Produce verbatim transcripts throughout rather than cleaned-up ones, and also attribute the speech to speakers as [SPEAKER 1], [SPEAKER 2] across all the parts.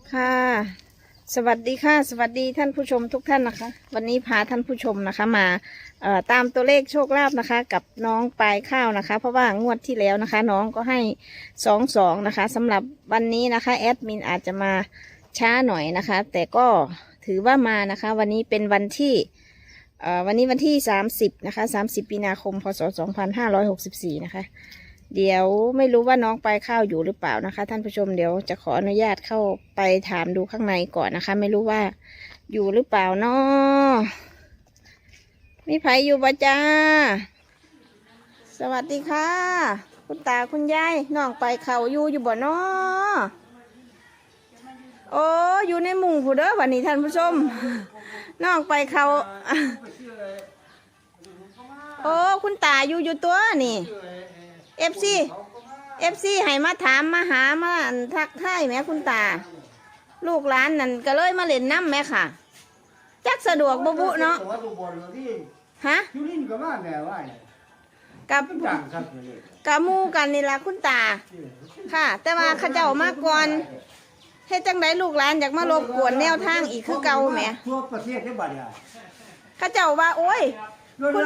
[SPEAKER 1] ค่ะสวัสดีค่ะสวัสดีท่านผู้ชมทุกท่านนะคะ วันนี้พาท่านผู้ชมนะคะมาเอ่อตามตัวเลขโชคลาภนะคะ กับน้องปลายข้าวนะคะ เพราะว่างวดที่แล้วนะคะ น้องก็ให้สองสองนะคะสำหรับวันนี้นะคะแอดมินอาจจะมาช้าหน่อยนะคะ แต่ก็ถือว่ามานะคะ วันนี้เป็นวันที่เอ่อวันนี้วันที่สามสิบนะคะสามสิบมีนาคมพศสองพันห้าร้อยหกสิบสี่นะคะเดี๋ยวไม่รู้ว่าน้องปลายข้าวอยู่หรือเปล่านะคะ ท่านผู้ชมเดี๋ยวจะขออนุญาตเข้าไปถามดูข้างในก่อนนะคะ ไม่รู้ว่าอยู่หรือเปล่าเนาะมีไผอยู่บ่จ้าสวัสดีค่ะคุณตาคุณยายน้องปลายข้าวอยู่อยู่บ่เนาะโอ้อยู่ในมุ้งผู้เด้อวันนี้ท่านผู้ชมน้องปลายข้าวโอ้คุณตาอยู่อยู่ตัวนี่เอฟซีเอฟซีให้มาถามมาหามาทักทายแม่คุณตาลูกหลานนั่นก็เลยมาเล่นน้ำแม่ค่ะจักสะดวกบุบุเนาะฮะกับกับมูกันนี่ละคุณตาค่ะแต่ว่าข้าเจ้ามาก่อนเฮ็ดจังไดลูกหลานอยากมารบกวนแนวทางอีกคือเก่าแม่ทั่วประเทศได้บัดเนี่ยข้าเจ้าว่าโอ้ยคุณ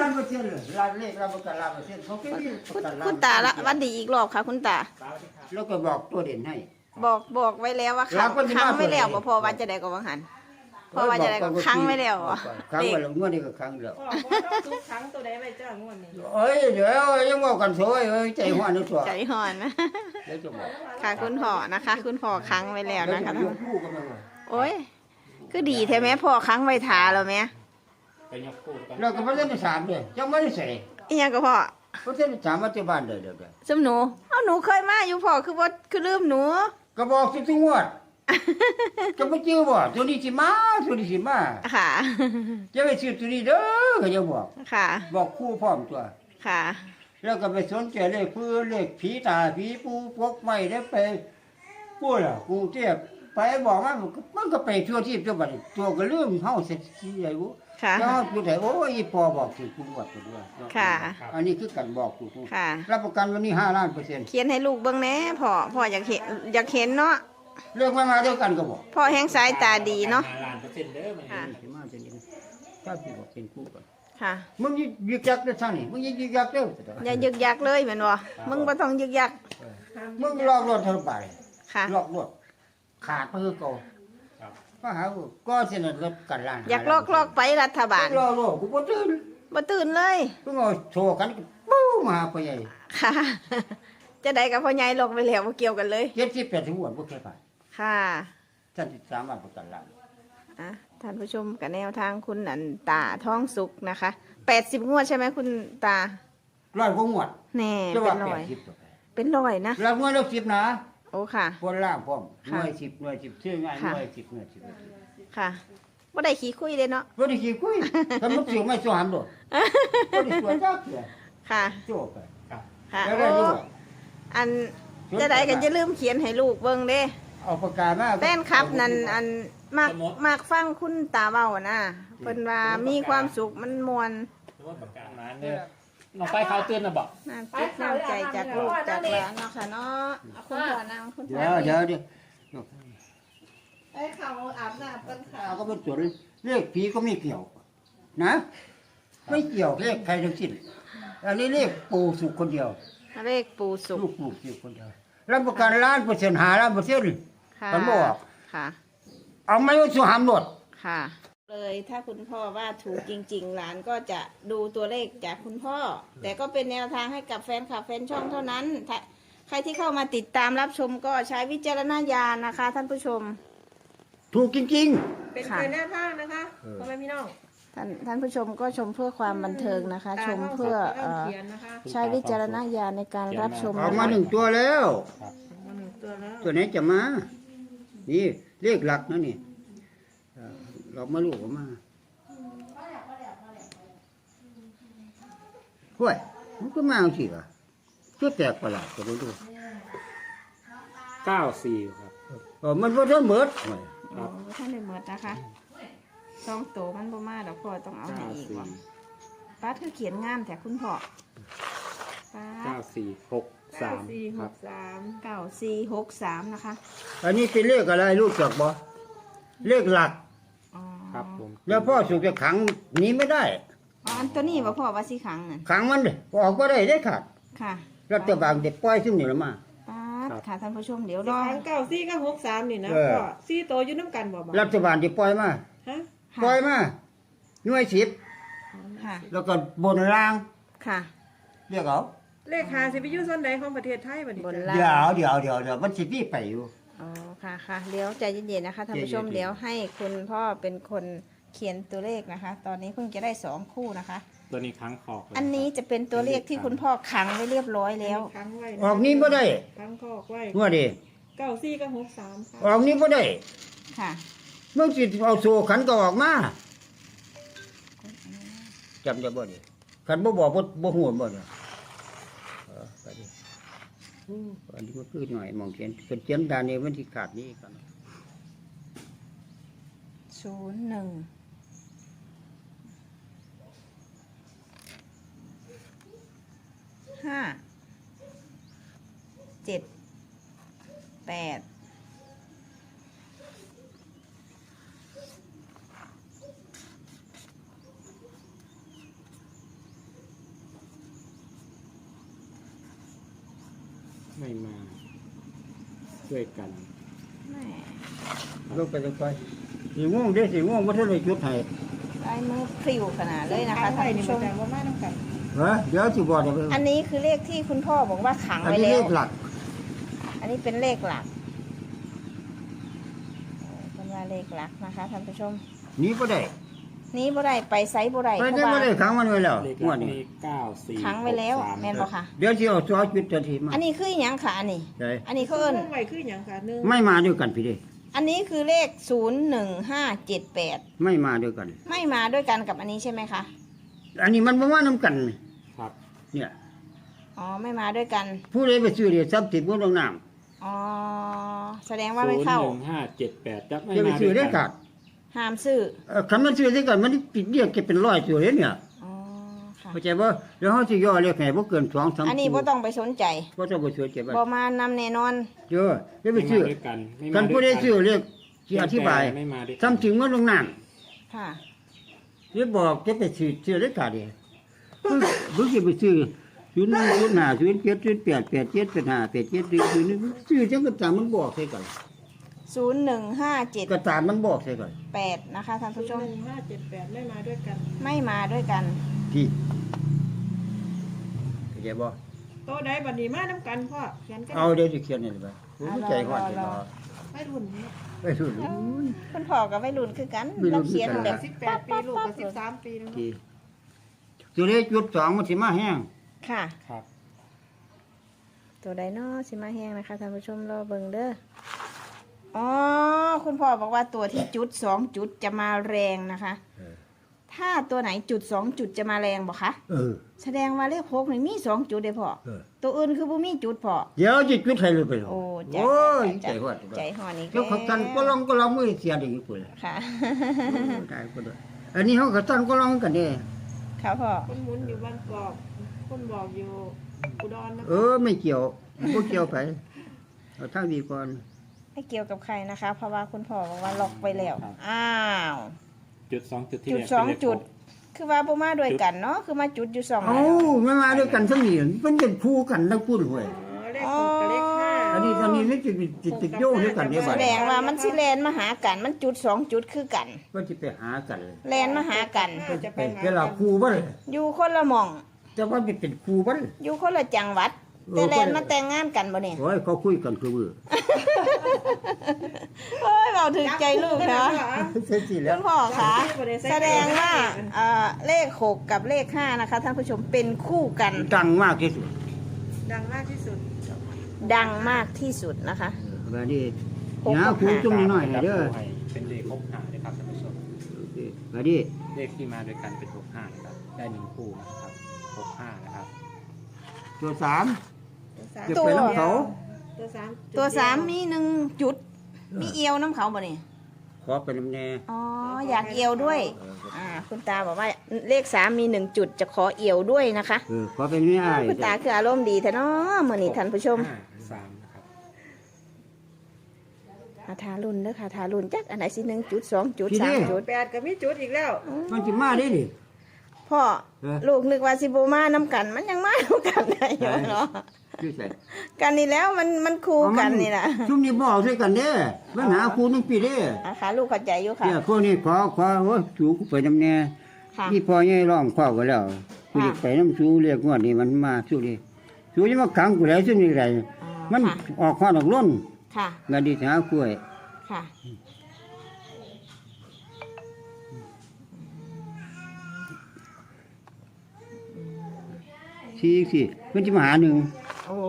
[SPEAKER 1] คุณตาละวันดีอีกรอบค่ะคุณตา
[SPEAKER 2] แล้วก็บอกตัวเด่นให้
[SPEAKER 1] บอกบอกไว้แล้วว่าค้างไม่แล้วพอว่าจะได้ก็ว่าหันพอว่าจะได้ก็ค้างไม่แล้ว
[SPEAKER 2] ค้างไว้แล้วงวดนี้ก็ค้างแล้ว
[SPEAKER 3] ทุกครั้งตัวใดไปจ้างวดนี้
[SPEAKER 2] เอ้ยเดี๋ยวยังบอกกันสวยใจห่อนนึกตัว
[SPEAKER 1] ใจห่อนนะค่ะคุณพ่อนะคะคุณพ่อค้างไว้แล้วนะคะโอ้ยคือดีแท้ไหมพ่อค้างไว้ทาแล้วไหม
[SPEAKER 2] แล้วก็ไม่ได้สามเลยยังไม่ได้ใส่
[SPEAKER 1] อีหยังก็พ่อ
[SPEAKER 2] เพราะฉะนั้นสามมาที่บ้านเลยเดี๋ยว
[SPEAKER 1] สมหนูเอาหนูเคยมาอยู่พ่อคือว่าคือลืมหนู
[SPEAKER 2] ก็บอกทุกงวดจะไม่เชื่อบ่ตัวนี้สิมาตัวนี้สิมา
[SPEAKER 1] ค่ะ
[SPEAKER 2] จะไปซื้อตัวนี้เด้อก็จะบอก
[SPEAKER 1] ค่ะ
[SPEAKER 2] บอกคู่พร้อมตัว
[SPEAKER 1] ค่ะ
[SPEAKER 2] แล้วก็ไปสนใจเลขพื้นเลขผีตาผีปูพวกไม่ได้ไปพูดอ่ะกรุงเทพไปบอกว่ามันก็ไปทั่วที่ทั่วบ้านตัวก็ลืมเฮาเสร็จที่ใหญ่บุ
[SPEAKER 1] ค่ะ
[SPEAKER 2] ก็อยู่แต่โอ้ยพอบอกถึงคุณวัดตัวด้วย
[SPEAKER 1] ค่ะ
[SPEAKER 2] อันนี้คือการบอกถูก
[SPEAKER 1] ค่ะ
[SPEAKER 2] รับประกันวันนี้ห้าล้านเปอร์เซ็นต์
[SPEAKER 1] เขียนให้ลูกเบิ่งแหน่พ่อพ่ออยากเห็นอยากเห็นเนาะ
[SPEAKER 2] เรื่องมามาเดียวกันก็บอก
[SPEAKER 1] พ่อแห้งสายตาดีเนาะ
[SPEAKER 3] ห้าล้านเปอร์เซ็นต์เด้อมัน
[SPEAKER 2] ค่ะมาจะนี่ถ้าพี่บอกเป็นคู่กัน
[SPEAKER 1] ค่ะ
[SPEAKER 2] มึงยึกยักเด้อท่านนี่มึงยึกยักเด้อ
[SPEAKER 1] อย่ายึกยักเลยเหมือนบ่มึงบ่ต้องยึกยัก
[SPEAKER 2] มึงลอกรถเท่าไป
[SPEAKER 1] ค่ะ
[SPEAKER 2] ลอกรถขาดเพื่อเก่าก็หาก็เสนอรถกันล้าน
[SPEAKER 1] อยากลอกลอกไปรัฐบาล
[SPEAKER 2] ลอกลอกกูบ่ตื่น
[SPEAKER 1] บ่ตื่นเลย
[SPEAKER 2] เพิ่งเอาโชว์กันปู้มาพ่อใหญ่
[SPEAKER 1] ค่ะจะได้กับพ่อใหญ่ลอกไปแล้วบ่เกี่ยวกันเลย
[SPEAKER 2] เจ็ดสิบแปดถึงวันบ่แค่บาท
[SPEAKER 1] ค่ะ
[SPEAKER 2] ท่านสามารถประกันล้าน
[SPEAKER 1] อ่ะท่านผู้ชมกับแนวทางคุณอันตาท้องสุกนะคะแปดสิบงวดใช่ไหมคุณตา
[SPEAKER 2] ร้อยกว่างวด
[SPEAKER 1] แน่เป็นร้อยเป็นร้อยนะ
[SPEAKER 2] แล้วงวดละสิบนะ
[SPEAKER 1] โอ้ค่ะ
[SPEAKER 2] บนล่างพร้อมหน่วยสิบหน่วยสิบชื่อง่ายหน่วยสิบหน่วยสิบ
[SPEAKER 1] ค่ะบ่ได้ขี้คุยเลยเนาะ
[SPEAKER 2] บ่ได้ขี้คุยถ้ามันสิไม่สวมโดดบ่ได้สวยจักเทื่อ
[SPEAKER 1] ค่ะ
[SPEAKER 2] โจบไป
[SPEAKER 1] ค่ะโอ้อันจะได้กันจะลืมเขียนให้ลูกเบิ่งเด้
[SPEAKER 2] เอาปากกามา
[SPEAKER 1] แฟนคลับนั่นอันมักมักฟังคุณตาเว้านะเพิ่นว่ามีความสุขมันม่วน
[SPEAKER 3] ปากกามาเนี่ยน้องไปเขาเตือนนะบอก
[SPEAKER 1] น้ำจิตน้ำใจจากลูกจากหลานเนาะค่ะเนาะคุณพ่อนางคุณพ่อ
[SPEAKER 2] เดี๋ยวเดี๋ยว
[SPEAKER 1] ไอ้เขาอาบน้ำกันค่ะ
[SPEAKER 2] ก็เป็นส่วนเลขผีก็ไม่เกี่ยวนะไม่เกี่ยวเลขใครทั้งสิ้นอันนี้เลขปู่สุขคนเดียว
[SPEAKER 1] เลขปู่สุข
[SPEAKER 2] ลูกปู่สุขคนเดียวรับประกันล้านเปอร์เซ็นต์หาล้านเปอร์เซ็นต์มันบอก
[SPEAKER 1] ค่ะ
[SPEAKER 2] เอาไม่ว่าสุหามหมด
[SPEAKER 1] ค่ะเลยถ้าคุณพ่อว่าถูกจริงๆหลานก็จะดูตัวเลขจากคุณพ่อแต่ก็เป็นแนวทางให้กับแฟนคลับแฟนช่องเท่านั้นใครที่เข้ามาติดตามรับชมก็ใช้วิจารณญาณนะคะท่านผู้ชม
[SPEAKER 2] ถูกจริง
[SPEAKER 3] ๆเป็นแนวทางนะคะพ่อแม่พี่น้อง
[SPEAKER 1] ท่านท่านผู้ชมก็ชมเพื่อความบันเทิงนะคะชมเพื่อใช้วิจารณญาณในการรับชม
[SPEAKER 2] ออกมาหนึ่งตัวแล้วตัวนี้จะมานี่เลขหลักนะนี่เรามาลูกออกมาห้วยมันก็มาสิล่ะชุดแตกประหลาดก็ไม่รู้
[SPEAKER 3] เก้าสี่ครับ
[SPEAKER 2] เออมันว่าท่านเบิด
[SPEAKER 1] ท่านได้เบิดนะคะสองโตมันบ่มาดอกพ่อต้องเอาให้อีกว่ะป้าเธอเขียนงานแต่คุณพ่อ
[SPEAKER 3] เก้าสี่หกสาม
[SPEAKER 4] สี่
[SPEAKER 3] ค
[SPEAKER 4] ห
[SPEAKER 3] รับ
[SPEAKER 4] กสาม
[SPEAKER 1] เก้าสี่หกสามนะคะ
[SPEAKER 2] อันนี้เป็นเลขอะไรรู้จักบ่เลขหลัก
[SPEAKER 1] อ๋อ
[SPEAKER 3] ครับผม
[SPEAKER 2] แล้วพ่อสุกจะขังหนีไม่ได้
[SPEAKER 1] อ๋ออันตัวนี้บ่พ่อว่าสิขังน่ะ
[SPEAKER 2] ขังมันเลยออกก็ได้ได้ขาด
[SPEAKER 1] ค่ะ
[SPEAKER 2] รัฐบาลเด็กปล่อยซึ่งนี่ละมา
[SPEAKER 1] ป๊าดค่ะท่านผู้ชมเดี๋ยว
[SPEAKER 4] ส
[SPEAKER 1] รอ
[SPEAKER 4] องเก้าสี่ก็หกสามนี่นะ
[SPEAKER 2] เออ
[SPEAKER 4] พ่อสี่โตอยู่น้ำกันบ่บ่
[SPEAKER 2] รัฐบาลที่ปล่อยมา
[SPEAKER 4] ฮะ
[SPEAKER 2] ปล่อยมาหน่วยสิบ
[SPEAKER 1] ค่ะ
[SPEAKER 2] แล้วก็บนราง
[SPEAKER 1] ค่ะ
[SPEAKER 2] เรียกเอา
[SPEAKER 4] เลขหาสิไปอยู่ส่วนใดของประเทศไทยบัดนี้
[SPEAKER 1] บน
[SPEAKER 4] จ้ะ
[SPEAKER 1] ล่าง
[SPEAKER 2] เดี๋ยวเดี๋ยวเดี๋ยวเดี๋ยวมันสิพี่ไปอยู่
[SPEAKER 1] อ๋อค่ะค่ะเดี๋ยวใจเย็นๆนะคะท่านผู้ชม
[SPEAKER 2] ใจเย็นๆ
[SPEAKER 1] เดี๋ยวให้คุณพ่อเป็นคนเขียนตัวเลขนะคะ ตอนนี้เพิ่งจะได้สองคู่นะคะ
[SPEAKER 3] ตัวนี้ค้างคอกเลย
[SPEAKER 1] อันนี้จะเป็นตัวเลขที่คุณพ่อขังไว้เรียบร้อยแล้ว
[SPEAKER 4] ค้างไว้ะ
[SPEAKER 2] ออกนี้บ่ได้
[SPEAKER 4] ค้างคอกไว้
[SPEAKER 2] ว่าดิ
[SPEAKER 4] เก้าสี่ก็หกสามค่ะ
[SPEAKER 2] ออกนี้บ่ได้
[SPEAKER 1] ค่ะ
[SPEAKER 2] เมื่อสิเอาโซ่ขันก็ออกมาจำได้บ่ดิขันบ่บอกบ่บ่ฮู้บ่เนี่ยเออไปดิอู้อันนี้ก็คือหน่อยมองเขียนเป็นเขียนดานนี้มันสิขาดนี้กัน
[SPEAKER 1] ศูนย์หนึ่งห้าเจ็ดแปด
[SPEAKER 3] ไม่มาด้วยกัน
[SPEAKER 1] แม่
[SPEAKER 2] ลงไปลงไปสีม่วงเด้สีม่วงบ่ทันได้จุดให้
[SPEAKER 1] ลายมือพริ้วขนาดเลยนะคะ
[SPEAKER 4] ค้าง
[SPEAKER 1] ท่า
[SPEAKER 4] ไว้
[SPEAKER 1] น
[SPEAKER 4] นี่
[SPEAKER 1] ผู้ช
[SPEAKER 4] บ่
[SPEAKER 1] ม
[SPEAKER 4] แต่ว่ามาน้ำกัน
[SPEAKER 2] ฮะเดี๋ยวสิบอกเดี๋ยว
[SPEAKER 1] อันนี้คือเลขที่คุณพ่อบอกว่าขัง
[SPEAKER 2] อัน
[SPEAKER 1] ไว้
[SPEAKER 2] นี้
[SPEAKER 1] แล้
[SPEAKER 2] เล
[SPEAKER 1] ว
[SPEAKER 2] ขหลัก
[SPEAKER 1] อันนี้เป็นเลขหลักเป็นว่าเลขหลักนะคะท่านผู้ชม
[SPEAKER 2] หนี้บ่ได้
[SPEAKER 1] นี้บ่ได้ไปไซส์บ่ได้
[SPEAKER 2] ไป
[SPEAKER 1] เพ
[SPEAKER 2] ได้
[SPEAKER 1] ราะ
[SPEAKER 2] บ่
[SPEAKER 1] ว่า
[SPEAKER 2] ได้ขังมันไว้แล้ว
[SPEAKER 3] เลข
[SPEAKER 2] งวด
[SPEAKER 3] นี้
[SPEAKER 2] นี้
[SPEAKER 3] เก้าสี่
[SPEAKER 1] ขังไว้แล้ว
[SPEAKER 3] หกสา
[SPEAKER 1] แม่นบ่คะ
[SPEAKER 2] เดี๋ยวสิเอาซอจุดทันทีมา
[SPEAKER 1] อันนี้คืออหยังค่ะอันนี้
[SPEAKER 2] ใช่
[SPEAKER 1] อันนี้เขาเอิ้น
[SPEAKER 4] ค้างไว้คือหยังค่ะหนึ่ง
[SPEAKER 2] ไม่มาด้วยกันพี่เด้
[SPEAKER 1] อันนี้คือเลขศูนย์หนึ่งห้าเจ็ดแปด
[SPEAKER 2] ไม่มาด้วยกัน
[SPEAKER 1] ไม่มาด้วยกันกับอันนี้ใช่ไหมคะ
[SPEAKER 2] อันนี้มันบ่มานํกัน
[SPEAKER 3] ครับ
[SPEAKER 2] เนี่ย
[SPEAKER 1] อ๋อไม่มาด้วยกัน
[SPEAKER 2] ผู้ใดไปซื้อเดี๋ยวทรัพย์สินบ่ต้องน้ำ
[SPEAKER 1] อ๋อแสดงว่าไม่เข้า
[SPEAKER 3] ศูนย์หนึ่งห้าเจ็ดแปดจะไม่
[SPEAKER 2] จะไป
[SPEAKER 3] มา
[SPEAKER 2] ซื้อ
[SPEAKER 3] ด้
[SPEAKER 2] ได้
[SPEAKER 3] วย
[SPEAKER 2] ขา
[SPEAKER 3] กั
[SPEAKER 2] ด
[SPEAKER 3] น
[SPEAKER 1] ห้ามซื้อ
[SPEAKER 2] เอ่อคันมันซื้อได้กันมันปิดเรียกเก็บเป็นร้อยตัวเลยเนี่ย
[SPEAKER 1] อ๋อค่ะ
[SPEAKER 2] เข้าใจบ่แล้วเฮาสิย่อเลขให้บ่เกินสองสาม
[SPEAKER 1] อันนี้บ่ต้องไปสนใจ
[SPEAKER 2] บ่ต้องไปซื้อเก็บไว้
[SPEAKER 1] บ่มานำแน่นอน
[SPEAKER 2] เด้อเดี๋ยวไป
[SPEAKER 3] ไม่
[SPEAKER 2] ซื้อ
[SPEAKER 3] มาด้วยกันไม่
[SPEAKER 2] คั
[SPEAKER 3] มาน
[SPEAKER 2] ผู้ใด
[SPEAKER 3] ด้วยกัน
[SPEAKER 2] ซื้อเลขสิอธิบาย
[SPEAKER 3] ไม่มาด้วยกัน
[SPEAKER 2] ทำถึงมันลงน้ำ
[SPEAKER 1] ค่ะ
[SPEAKER 2] เดี๋ยวบอกจะไปซื้อซื้อได้ขาดเดียวบึ้งจะไปซื้อศูนย์หนึ่งศูนย์ห้าศูนย์เจ็ดศูนย์แปดแปดเจ็ดแปดห้าแปดเจ็ดศูนย์ศูนย์หนึ่งซื้อจังก็ตามมันบอกใส่ก่อน
[SPEAKER 1] ศูนย์หนึ่งห้าเจ็ด
[SPEAKER 2] ก็ตามมันบอกใส่ก่อน
[SPEAKER 1] แปดนะคะท่าน
[SPEAKER 4] ศู
[SPEAKER 1] ผู้
[SPEAKER 4] นย์
[SPEAKER 1] ชม
[SPEAKER 4] หนึ่งห้าเจ็ดแปดไม่มาด้วยกัน
[SPEAKER 1] ไม่มาด้วยกัน
[SPEAKER 2] ที่เข้าใจบ่
[SPEAKER 4] โตได้บัดนี้มาน้ำกันพ่อเขียนกัน
[SPEAKER 2] เอาเดี๋ยวจะเขียนให้เลยไปผมใจหอดใจรอ
[SPEAKER 4] ไม่รุ่นนี้
[SPEAKER 2] ไปดูดิ
[SPEAKER 1] คุณพ่อกับวัยรุ่นคือกัน
[SPEAKER 2] วัยรุ่
[SPEAKER 1] เรา
[SPEAKER 2] นคือกัน
[SPEAKER 1] เขียนแบบ
[SPEAKER 4] สิบแปดปีลูกก็สิบสามปีแล้วเนาะ
[SPEAKER 2] ที่ตัวเลขจุดสองมันสิมาแห้ง
[SPEAKER 1] ค่ะ
[SPEAKER 3] ครับ
[SPEAKER 1] ตัวไดโนสิมาแห้งนะคะท่านผู้ชมรอเบิ่งเด้ออ๋อคุณพ่อบอกว่าตัวที่จุดสองจุดจะมาแรงนะคะ ถ้าตัวไหนจุดสองจุดจะมาแรงบอกคะ
[SPEAKER 2] เออ
[SPEAKER 1] แสดงว่าเลขหกนี่มีสองจุดเด้อพ่อ
[SPEAKER 2] เออ
[SPEAKER 1] ตัวอื่นคือบ่มีจุดพ่อ
[SPEAKER 2] เดี๋ยวจะจุดให้เลยไป
[SPEAKER 1] โอ้จ้ะ
[SPEAKER 2] โอ้ยใจ
[SPEAKER 1] จ้ะ
[SPEAKER 2] หอด
[SPEAKER 1] ใจหอนี่
[SPEAKER 2] แล้วเขาตันก็ลองก็ลองมือเสียดีกว่า
[SPEAKER 1] ค่ะ
[SPEAKER 2] ได้ก็ได้อันนี้เขาก็ตันก็ลองกันเด้
[SPEAKER 1] ค่ะพ่อ
[SPEAKER 4] คนหมุนอยู่บ้านกอกคนบอกอยู่อุดรนะ
[SPEAKER 2] เออไม่เกี่ยวบ่เกี่ยวไปเอาทางดีก่อน
[SPEAKER 1] ไม่เกี่ยวกับใครนะคะ เพราะว่าคุณพ่อบอกว่าล็อกไปแล้ว อ้าว
[SPEAKER 3] จุดสองจุดที่
[SPEAKER 1] จุด
[SPEAKER 3] แรก
[SPEAKER 1] สอง
[SPEAKER 3] เป็นเลข
[SPEAKER 1] จุด
[SPEAKER 3] หก
[SPEAKER 1] คือว่าบ่มาด้วยกันเนาะคือมาจุดอยู่สอง
[SPEAKER 2] เอ้าไม่มาด้วยกันทั้งนี้มันเป็นคู่กันทั้งพูดห้วย
[SPEAKER 4] อ๋อเลขหกกับเลขห้า
[SPEAKER 2] อันนี้ตอนนี้นี่จะติดติดโยงด้วยกันเนี่ย
[SPEAKER 1] แส
[SPEAKER 2] บัด
[SPEAKER 1] ดงว่ามันสิแลนมาหากันมันจุดสองจุดคือกัน
[SPEAKER 2] ว่าจะไปหากันเลย
[SPEAKER 1] แลนมาหากัน
[SPEAKER 4] จะไป
[SPEAKER 2] เป็น
[SPEAKER 4] หา
[SPEAKER 2] เวลาคู่บ่เลย
[SPEAKER 1] อยู่คนละหม่อง
[SPEAKER 2] แต่ว่ามันเป็นคู่บ่เลย
[SPEAKER 1] อยู่คนละจังหวัด
[SPEAKER 2] เออ
[SPEAKER 1] แต่แลนมาแต่งงานกันบ่เนี่ย
[SPEAKER 2] โอ้ยเขาคุยกันคือมือ
[SPEAKER 1] โอ้ยเราถึงใจลูกเนาะ
[SPEAKER 2] เสร็จสิแล้
[SPEAKER 1] คุ
[SPEAKER 2] ว
[SPEAKER 1] ณพ่อคะแสดงว่าเอ่อเลขหกกับเลขห้านะคะท่านผู้ชมเป็นคู่กัน
[SPEAKER 2] ดังมากที่สุด
[SPEAKER 4] ดังมากที่สุด
[SPEAKER 1] ดังมากที่สุดนะคะ
[SPEAKER 2] แบบนี้
[SPEAKER 1] หก
[SPEAKER 2] หา
[SPEAKER 1] กับ
[SPEAKER 2] คู่
[SPEAKER 1] ห้า
[SPEAKER 2] จุ่มหน่อยให้เด้อ
[SPEAKER 3] เป็นเลขหกห้านะครับท่านผู้ชม
[SPEAKER 2] โอเคแบบนี้
[SPEAKER 3] เลขที่มาด้วยกันเป็นหกห้านะครับได้หนึ่งคู่นะครับหกห้านะครับ
[SPEAKER 2] ตัวสาม
[SPEAKER 4] ตัวสาม
[SPEAKER 2] เก็บไปน้ำเขา
[SPEAKER 4] ตัวสาม
[SPEAKER 1] ตัวสามมีหนึ่งจุด มีเอียวน้ำเขาบ่เนี่ย
[SPEAKER 2] เขอไปน้ำแน่
[SPEAKER 1] อ๋ออยากเอียวด้วยอ่าคุณตาบอกว่าเลขสามมีหนึ่งจุดจะขอเอียวด้วยนะคะ
[SPEAKER 2] เออขอไปไม่ได้
[SPEAKER 1] คุณตาคืออารมณ์ดีแท้เนาะมื่อนี้ท่านผู้ชม
[SPEAKER 3] ห้าสามนะครับ
[SPEAKER 1] อาทารุนเด้อค่ะทารุนจักอันไหนสิหนึ่งจุดสองจุดสามจุด
[SPEAKER 4] แปดก็มีจุดอีกแล้ว
[SPEAKER 2] มันจะมาได้ดิ
[SPEAKER 1] พ่อ
[SPEAKER 2] เออ
[SPEAKER 1] ลูกนึกว่าสิโบมาน้ำกัน มันยังมาน้ำกันได้อยู่เนาะ
[SPEAKER 2] ชื่อใส่
[SPEAKER 1] กันนี่แล้วมันมันคู่กันนี่นะ
[SPEAKER 2] ชุ่มนี่บอกใช่กันเด้ปัญหาครูนึงปีเด้
[SPEAKER 1] อาค่ะลูกเข้าใจอยู่ค่ะ
[SPEAKER 2] เนี่ยพวกนี้ขอขอโอ้ยสูกูไปน้ำแน่
[SPEAKER 1] ค่ะ
[SPEAKER 2] นี่พอใหญ่ร้องข้อก็แล้วกูจะไปน้ำสูเรียกงวดนี่มันมาสู้ดิสูจะมาขังกูแล้วซึ่งนี่ไร
[SPEAKER 1] อ๋อ
[SPEAKER 2] มัน
[SPEAKER 1] ค่ะ
[SPEAKER 2] ออกข้อออกล้น
[SPEAKER 1] ค่ะ
[SPEAKER 2] งานดีหากล้วย
[SPEAKER 1] ค่ะ
[SPEAKER 2] สี่สี่มันจะมาหาหนึ่ง
[SPEAKER 1] โอ้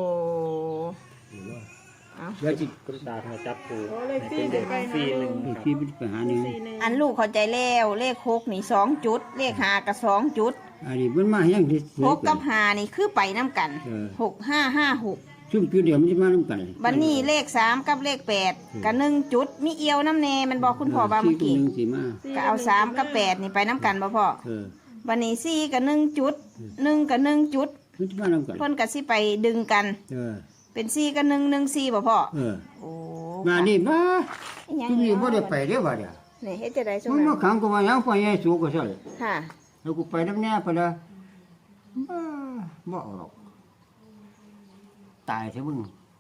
[SPEAKER 1] เอา
[SPEAKER 2] แล้วจิ
[SPEAKER 3] คุณตามาจับปู
[SPEAKER 4] โอ้เลข
[SPEAKER 3] ให้
[SPEAKER 4] สี่
[SPEAKER 3] เป็น
[SPEAKER 4] เดี๋
[SPEAKER 3] เด็
[SPEAKER 4] ยว
[SPEAKER 3] ก
[SPEAKER 4] ไป
[SPEAKER 3] สี่หนึ่ง
[SPEAKER 2] เลข
[SPEAKER 3] ครับ
[SPEAKER 2] สี่มันจะไปหาหนึ่ง
[SPEAKER 4] สี่หนึ่ง
[SPEAKER 1] อันลูกเข้าใจแล้วเลขหกนี่สองจุด เลขหากับสองจุด
[SPEAKER 2] อันนี้มันมาอย่างที่
[SPEAKER 1] หกกับหานี่คือไปน้ำกัน
[SPEAKER 2] เออ
[SPEAKER 1] หกห้าห้าหก
[SPEAKER 2] ชุ่มจุดเดียวมันจะมาน้ำกัน
[SPEAKER 1] บันนี้เลขสามกับเลขแปดกับหนึ่งจุดมีเอียวน้ำเนมันบอกคุณพ่อว่าเมื่อกี้
[SPEAKER 2] สี่บหนึ่งสี่มา
[SPEAKER 1] ก็เอาสามกับแปดนี่ไปน้ำกันบ่พ่อ
[SPEAKER 2] เออ
[SPEAKER 1] บันนี้สี่กับหนึ่งจุดหนึ่งกับหนึ่งจุด
[SPEAKER 2] มันจะมาน้ำกัน
[SPEAKER 1] เพิ่นกับสิไปดึงกัน
[SPEAKER 2] เออ
[SPEAKER 1] เป็นสี่กับหนึ่งหนึ่งสี่บ่พ่อ
[SPEAKER 2] เออ
[SPEAKER 1] โอ้
[SPEAKER 2] มานี่มา
[SPEAKER 1] อิหยัง
[SPEAKER 2] ชุ่มนี่บ่ได้ไปเด้อว่าเดี๋ยว
[SPEAKER 1] นี่เฮ็ดจะได้ช่วง
[SPEAKER 2] มัน
[SPEAKER 1] นั้
[SPEAKER 2] มาน ขังกูว่าหยังพ่อใหญ่สูก็ใช่
[SPEAKER 1] ค่ะ
[SPEAKER 2] แล้วกูไปน้ำแน่ไปละบ้าบ่เอาหรอกตายเถอะมึง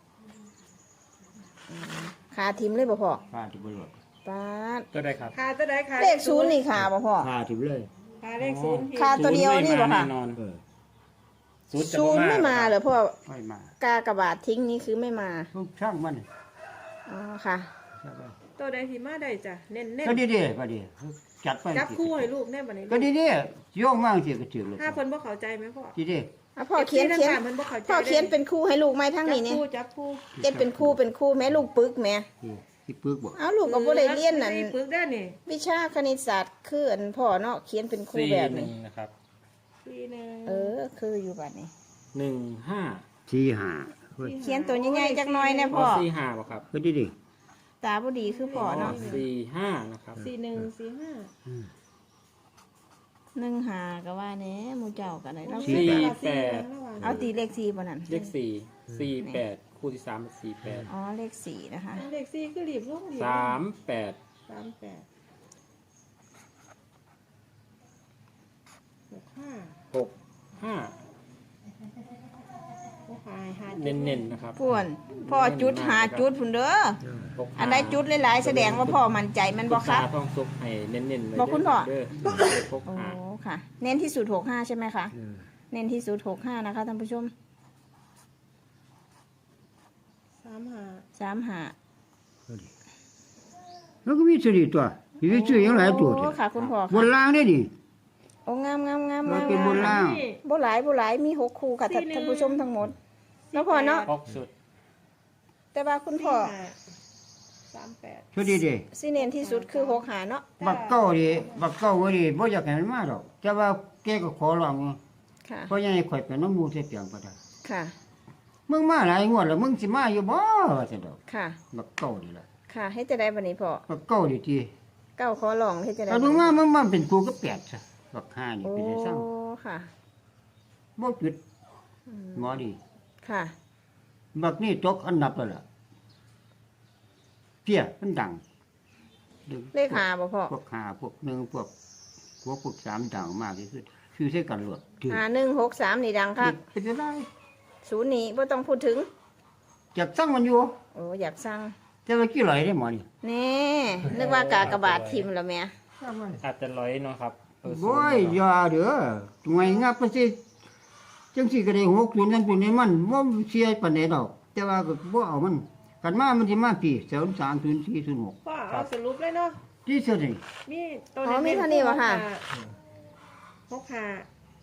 [SPEAKER 1] ขาทิมเลยบ่พ่อ
[SPEAKER 2] พาที่บ่หลด
[SPEAKER 1] ปาด
[SPEAKER 3] ก็ได้ครับ
[SPEAKER 4] ขาตัวใดขา
[SPEAKER 1] เลขศูนย์นี่ขาบ่พ่อ
[SPEAKER 2] พาที่เลย
[SPEAKER 4] ขาเลขศูนย์ผิด
[SPEAKER 1] ขาตัวเดียวนี่บ่ค่ะ
[SPEAKER 3] แน่นอน
[SPEAKER 2] เออ
[SPEAKER 3] ศูนย์จะ
[SPEAKER 1] ศูนย์ไม่มาเหรอพ่อ
[SPEAKER 2] ไม่มา
[SPEAKER 1] กากระบาดทิ้งนี่คือไม่มา
[SPEAKER 2] ทุกช่างมัน
[SPEAKER 1] อ๋อค่ะ
[SPEAKER 2] ใช่ป่ะ
[SPEAKER 4] ตัวใดที่มาได้จ้ะเน้นเน้น
[SPEAKER 2] ก็ดีๆก็ดีจัดไป
[SPEAKER 4] จับคู่ให้ลูกแน่บัดนี้
[SPEAKER 2] ก็ดีๆโยงมากสิก็ถือเลย
[SPEAKER 4] ถ้าเพิ่นบ่เข้าใจไหมพ่อ
[SPEAKER 2] ดี
[SPEAKER 1] อ่ะพ่อเขียนเขียน
[SPEAKER 4] เพิ่นบ่เข้าใจ
[SPEAKER 1] พ่อเขียนเป็นคู่ให้ลูกไหมทั้งนี้เนี่ย
[SPEAKER 4] จับคู่
[SPEAKER 1] เขียนเป็นคู่เป็นคู่แม่ลูกปึกแม่
[SPEAKER 2] ๆที่ปึกบ่
[SPEAKER 1] เอาลูกก็บ่ได้เรียนนั่น
[SPEAKER 4] ปึกได้นี่
[SPEAKER 1] วิชาคณิตศาสตร์คืออันพ่อเนาะเขียนเป็นคู่
[SPEAKER 3] สี่
[SPEAKER 1] แบบ
[SPEAKER 3] หนึ่
[SPEAKER 1] นี้
[SPEAKER 3] งนะครับ
[SPEAKER 4] สี่หนึ่ง
[SPEAKER 1] เออ คืออยู่บัดนี้
[SPEAKER 3] หนึ่งห้า
[SPEAKER 2] ที่หาเฮ้ย
[SPEAKER 1] เขียนตัวใหญ่ๆจักหน่อยนะ
[SPEAKER 3] พ
[SPEAKER 1] พ่
[SPEAKER 3] อ
[SPEAKER 1] อ
[SPEAKER 3] สี่ห้าป่ะครับ
[SPEAKER 2] ก็ดี
[SPEAKER 1] ตาบ่ดีคือพ่อเนาะ
[SPEAKER 3] สี่ห้านะครับ
[SPEAKER 4] สี่หนึ่งสี่ห้า
[SPEAKER 1] หนึ่งหาก็ว่าแหน่หมู่เจ้ากันได้เรา
[SPEAKER 3] สี่แปด
[SPEAKER 1] เอาตีเลขสี่บ่นั่น
[SPEAKER 3] เลขสี่สี่แปดคู่ที่สามเป็นสี่แปด
[SPEAKER 1] อ๋อเลขสี่นะคะ
[SPEAKER 4] เลขสี่คือรีบลงรีบ
[SPEAKER 3] สามแปด
[SPEAKER 4] สามแปดหกห้า
[SPEAKER 3] หกห้า
[SPEAKER 4] หกห้าห้า
[SPEAKER 3] เน้นๆนะครับ
[SPEAKER 1] พ่วนพ่อจุดหาจุดพุ่นเด้อ
[SPEAKER 3] หกห้า
[SPEAKER 1] อันใดจุดหลายๆแสดงว่าพ่อมั่นใจแมันบ่
[SPEAKER 3] ณ
[SPEAKER 1] ครับ
[SPEAKER 3] ตาต้องซุกให้เน้นๆเลย
[SPEAKER 1] บอกคุณพ่อ
[SPEAKER 3] เด้อหก
[SPEAKER 1] โอ้
[SPEAKER 3] ห้า
[SPEAKER 1] ค่ะ เน้นที่สุดหกห้าใช่ไหมคะ
[SPEAKER 2] ๆเออ
[SPEAKER 1] เน้นที่สุดหกห้านะคะท่านผู้ชม
[SPEAKER 4] สามห้า
[SPEAKER 1] สามหา
[SPEAKER 2] แล้วก็มีสติตัวมีชื่ออย่างหลายตัว
[SPEAKER 1] โอ้ค่ะคุณพ่อบ
[SPEAKER 2] นล่างได้ดิ
[SPEAKER 1] โอ้งามงามงาม
[SPEAKER 2] เรา
[SPEAKER 1] งาม
[SPEAKER 2] เป็นบนล่าง
[SPEAKER 1] บ่หลายบ่หลายมีหกคู่ค่ะท่านท่านผู้ชมทั้งหมดแล้วพ่อเนาะ
[SPEAKER 3] หกสุด
[SPEAKER 1] แต่ว่าคุณพ่อ
[SPEAKER 4] สี่ห้าสามแปด
[SPEAKER 2] ช่วยดีดี
[SPEAKER 1] สิเน้นที่สุดคือหกหาเนาะ
[SPEAKER 2] บักเก้าดิบักเก้าว่าดิบ่อยากให้มันมาดอกแต่ว่าแกก็ขอร้องอยู่
[SPEAKER 1] ค่ะ
[SPEAKER 2] เพราะยังให้ข่อยเป็นน้ำมูกใส่เปียงบ่ได้
[SPEAKER 1] ค่ะ
[SPEAKER 2] มึงมาหลายงวดแล้วมึงสิมาอยู่บ่ว่าซั่นดอก
[SPEAKER 1] ค่ะ
[SPEAKER 2] บักเก้านี่ล่ะ
[SPEAKER 1] ค่ะให้จะได้บันนี้พ่อ
[SPEAKER 2] บักเก้าดิติ
[SPEAKER 1] เก้าขอลองให้จะได้
[SPEAKER 2] ถ้ามึงมามึงมาเป็นกูก็แปดซะบักห้านี่
[SPEAKER 1] โอ้
[SPEAKER 2] เป็นได้ซ้ํ
[SPEAKER 1] ค่ะ
[SPEAKER 2] บ่จุด
[SPEAKER 1] อืม
[SPEAKER 2] หมอดี
[SPEAKER 1] ค่ะ
[SPEAKER 2] บักนี่ตกอันดับแล้วล่ะเพี้ยมันดัง
[SPEAKER 1] เลขหาบ่พ่อ
[SPEAKER 2] พวกห้าพวกหนึ่งพวกพวกพวกสามดังมากที่สุดคือใช้กันหลวดถือ
[SPEAKER 1] หาหนึ่งหกสามนี่ดังค่ะ
[SPEAKER 2] เป็นจะได้
[SPEAKER 1] ศูนย์นี้บ่ต้องพูดถึง
[SPEAKER 2] จากสั่งมันอยู่
[SPEAKER 1] โอ้อยากสั่ง
[SPEAKER 2] แต่ว่ากี่ไหลได้หมอนี่
[SPEAKER 1] แนี่นึกว่ากากบาททิมแล้วแม่
[SPEAKER 3] อาจจะร้อยเนาะครับเออ
[SPEAKER 2] โอ้ยอย่าเด้อทำไมงับไปสิจังสิก็ได้หกศูนย์นั่นศูนย์นี่มันบ่เสียปานใดดอก แต่ว่าก็บ่เอามันกันมามันสิมาพี่ศูนย์สามศูนย์สี่ศูนย์หก
[SPEAKER 4] พ่อเอาสรุปเลยเนาะ
[SPEAKER 2] ที่สุดนี่
[SPEAKER 4] มีตัว
[SPEAKER 1] อ๋อมีเท่านี้วะค่ะ
[SPEAKER 4] หกห้า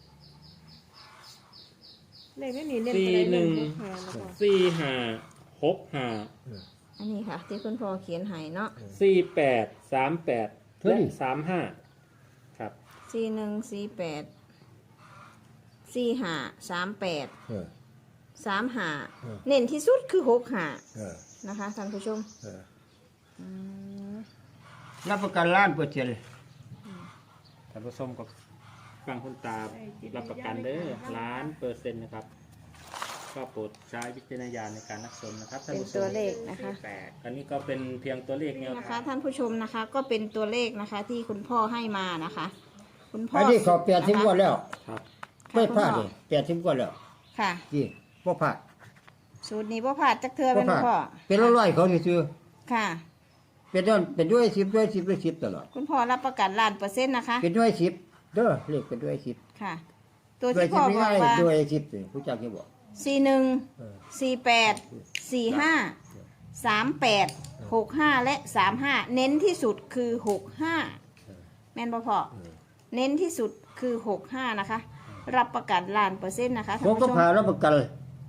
[SPEAKER 4] เลขไม่หนีเน้น
[SPEAKER 3] สี่
[SPEAKER 4] ตัวใด
[SPEAKER 3] หนึ่ง
[SPEAKER 4] หกห้าแล้วก็
[SPEAKER 3] สี่ห้าหกห้า
[SPEAKER 1] อันนี้ค่ะ ที่คุณพ่อเขียนให้เนาะ
[SPEAKER 3] สี่แปดสามแปดและสามห้าครับ
[SPEAKER 1] สี่หนึ่งสี่แปดสี่ห้าสามแปดสามห้าเน้นที่สุดคือหกห้านะคะท่านผู้ชม
[SPEAKER 2] เออ
[SPEAKER 1] อืม
[SPEAKER 2] รับประกันล้านเปอร์เซ็นต์
[SPEAKER 3] ท่านผู้ชมก็ฟังคุณตารับประกันเด้อล้านเปอร์เซ็นต์นะครับก็โปรดใช้วิจารณญาณในการรับชมนะครับท่าน
[SPEAKER 1] เป็น
[SPEAKER 3] ผู้ช
[SPEAKER 1] ตัว
[SPEAKER 3] ม
[SPEAKER 1] เลขนะคะ
[SPEAKER 3] อันนี้ก็เป็นเพียงตัวเลขแนว
[SPEAKER 1] นะ
[SPEAKER 3] ทา
[SPEAKER 1] คะ
[SPEAKER 3] ง
[SPEAKER 1] ท่านผู้ชมนะคะ ก็เป็นตัวเลขนะคะ ที่คุณพ่อให้มานะคะ คุณพ่อ
[SPEAKER 2] อันนี้เขาแปดสิบกว่าแล้ว
[SPEAKER 3] ครับ
[SPEAKER 2] ไม่พลาดเลยแปดสิบกว่าแล้ว
[SPEAKER 1] ค่ะ
[SPEAKER 2] นี่บ่พลาด
[SPEAKER 1] สูตรนี้พ่พลาดจักเทือ
[SPEAKER 2] บ่
[SPEAKER 1] เป็น
[SPEAKER 2] พลาด
[SPEAKER 1] พ่อ
[SPEAKER 2] เป็นร้อยๆเขาซื้อ
[SPEAKER 1] ค่ะ
[SPEAKER 2] ๆเป็นด้วยเป็นด้วยสิบด้วยสิบด้วยสิบตลอด
[SPEAKER 1] คุณพ่อรับประกันล้านเปอร์เซ็นต์นะคะ
[SPEAKER 2] เป็นด้วยสิบเด้อเลขเป็นด้วยสิบ
[SPEAKER 1] ค่ะ ตัว
[SPEAKER 2] ด้วย
[SPEAKER 1] ที่
[SPEAKER 2] สิ
[SPEAKER 1] พ่
[SPEAKER 2] บ
[SPEAKER 1] อ
[SPEAKER 2] ไม่
[SPEAKER 1] บอก
[SPEAKER 2] ง่าย
[SPEAKER 1] ว่า
[SPEAKER 2] ด้วยสิบเลยผู้จักจะบอก
[SPEAKER 1] สี่หนึ่ง
[SPEAKER 2] เออ
[SPEAKER 1] สี่แปดสี่ห้าสามแปดหกห้าและสามห้าเน้นที่สุดคือหกห้าแม่นบ่พอ
[SPEAKER 2] เออ
[SPEAKER 1] เน้นที่สุดคือหกห้านะคะ รับประกันล้านเปอร์เซ็นต์นะคะ
[SPEAKER 2] ผ
[SPEAKER 1] ท่าน
[SPEAKER 2] มก็
[SPEAKER 1] ผู้ชม
[SPEAKER 2] พารับประกัน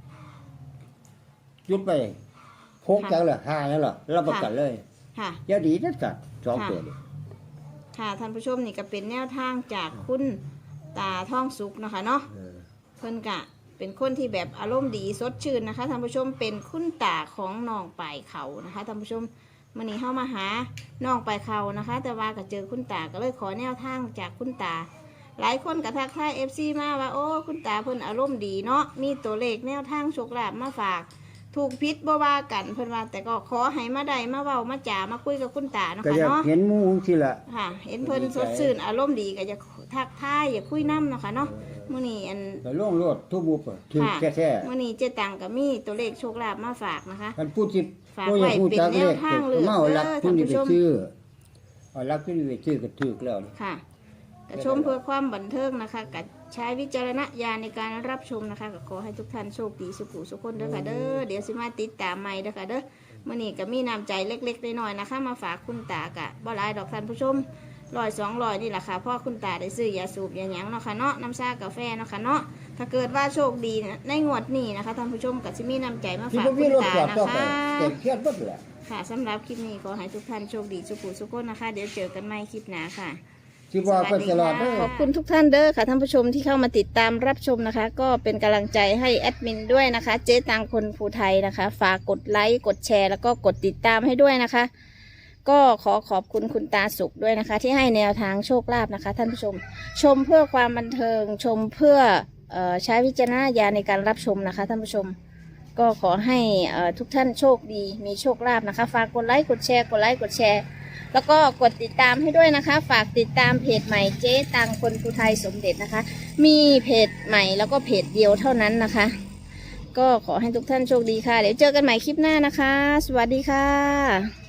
[SPEAKER 2] ยุดไปพกจังเลยห้านั่นหรอรับประกันเลย
[SPEAKER 1] ค่ะ
[SPEAKER 2] เดี๋ยวดีนัดกันสอง
[SPEAKER 1] ค่ะ
[SPEAKER 2] ตัวนี่
[SPEAKER 1] ค่ะท่านผู้ชมนี่ก็เป็นแนวทางจากคุณตาท่องสุกนะคะเนาะ
[SPEAKER 2] เออ
[SPEAKER 1] เพิ่นกะเป็นคนที่แบบอารมณ์ดีสดชื่นนะคะท่านผู้ชมเป็นคุณตาของน้องปลายเขานะคะท่านผู้ชมมื่อนี้เข้ามาหาน้องปลายเขานะคะ แต่ว่าก็เจอคุณตาก็เลยขอแนวทางจากคุณตา หลายคนกระทักทายเอฟซีมาว่าโอ้คุณตาเพิ่นอารมณ์ดีเนาะมีตัวเลขแนวทางโชคลาภมาฝาก ถูกพิษบ่ว่ากันเพิ่นว่าแต่ก็ขอให้มาได้มาเว้ามาจ๋ามาคุยกับคุณตาเนาะ
[SPEAKER 2] ก็
[SPEAKER 1] ค่ะ
[SPEAKER 2] อยาก
[SPEAKER 1] เนาะ
[SPEAKER 2] เห็นหมูที่ละ
[SPEAKER 1] ค่ะ เห็นเพิ่นสดชื่นอารมณ์ดีก็จะทักทายอย่าคุยน้ำเนาะค่ะเนาะมื่อนี้อัน
[SPEAKER 2] แต่ล่วงโลดทุบบุบถึง
[SPEAKER 1] ค่ะ
[SPEAKER 2] แค่แท้
[SPEAKER 1] มื่อนี้เจ๊ตังก็มีตัวเลขโชคลาภมาฝากนะคะ
[SPEAKER 2] ท่านพูดสิ
[SPEAKER 1] ฝาก
[SPEAKER 2] ก็อ
[SPEAKER 1] ไว้
[SPEAKER 2] ยากพูด
[SPEAKER 1] เป็น
[SPEAKER 2] จัก
[SPEAKER 1] แน
[SPEAKER 2] เล
[SPEAKER 1] ว
[SPEAKER 2] ข
[SPEAKER 1] ทางเลือก
[SPEAKER 2] เมารัก
[SPEAKER 1] เด้อ
[SPEAKER 2] ทุนนี่ไป
[SPEAKER 1] ท่านผู้ชม
[SPEAKER 2] ซื้อเอารักทุนนี่ไปซื้อก็ถูกแล้วนี่
[SPEAKER 1] ค่ะกระชมเพื่อความบันเทิงนะคะกับใช้วิจารณญาณในการรับชมนะคะก็ขอให้ทุกท่านโชคดีสุขุสุขคนเด้อค่ะเด้อเดี๋ยวสิมาติดตามใหม่เด้อค่ะเด้อมื่อนี้ก็มีน้ำใจเล็กๆน้อยๆนะคะ มาฝากคุณตากะบ่หลายดอกท่านผู้ชมร้อยสองร้อยนี่แหละค่ะเพ่อคุณตาได้ซื้อยาสูบยาหยังเนาะค่ะเนาะน้ำชากาแฟเนาะค่ะเนาะถ้าเกิดว่าโชคดีนะในงวดนี้นะคะท่านผู้ชมก็จะมีน้ำใจมา
[SPEAKER 2] ที่
[SPEAKER 1] ฝาก
[SPEAKER 2] บ่มี
[SPEAKER 1] คุณ
[SPEAKER 2] รถ
[SPEAKER 1] ตา
[SPEAKER 2] จอด
[SPEAKER 1] นะ
[SPEAKER 2] ต่อไป
[SPEAKER 1] คะ
[SPEAKER 2] เต็มเครียดหมดแหละ
[SPEAKER 1] ค่ะสำหรับคลิปนี้ขอให้ทุกท่านโชคดีสุขุสุขคนนะคะ เดี๋ยวเจอกันใหม่คลิปหน้าค่ะ
[SPEAKER 2] ที่ว่าเพิ่นตลอดเด้อ
[SPEAKER 1] ขอบคุณทุกท่านเด้อค่ะท่านผู้ชมที่เข้ามาติดตามรับชมนะคะ ก็เป็นกำลังใจให้แอดมินด้วยนะคะ เจ๊ตังคนภูไทยนะคะ ฝากกดไลค์กดแชร์แล้วก็กดติดตามให้ด้วยนะคะ ก็ขอขอบคุณคุณตาสุขด้วยนะคะ ที่ให้แนวทางโชคลาภนะคะ ท่านผู้ชม ชมเพื่อความบันเทิงชมเพื่อเอ่อใช้วิจารณญาณในการรับชมนะคะ ท่านผู้ชม ก็ขอให้เอ่อทุกท่านโชคดีมีโชคลาภนะคะ ฝากกดไลค์กดแชร์กดไลค์กดแชร์แล้วก็กดติดตามให้ด้วยนะคะ ฝากติดตามเพจใหม่เจ๊ตังคนภูไทยสมเด็จนะคะ มีเพจใหม่แล้วก็เพจเดียวเท่านั้นนะคะ ก็ขอให้ทุกท่านโชคดีค่ะ เดี๋ยวเจอกันใหม่คลิปหน้านะคะ สวัสดีค่ะ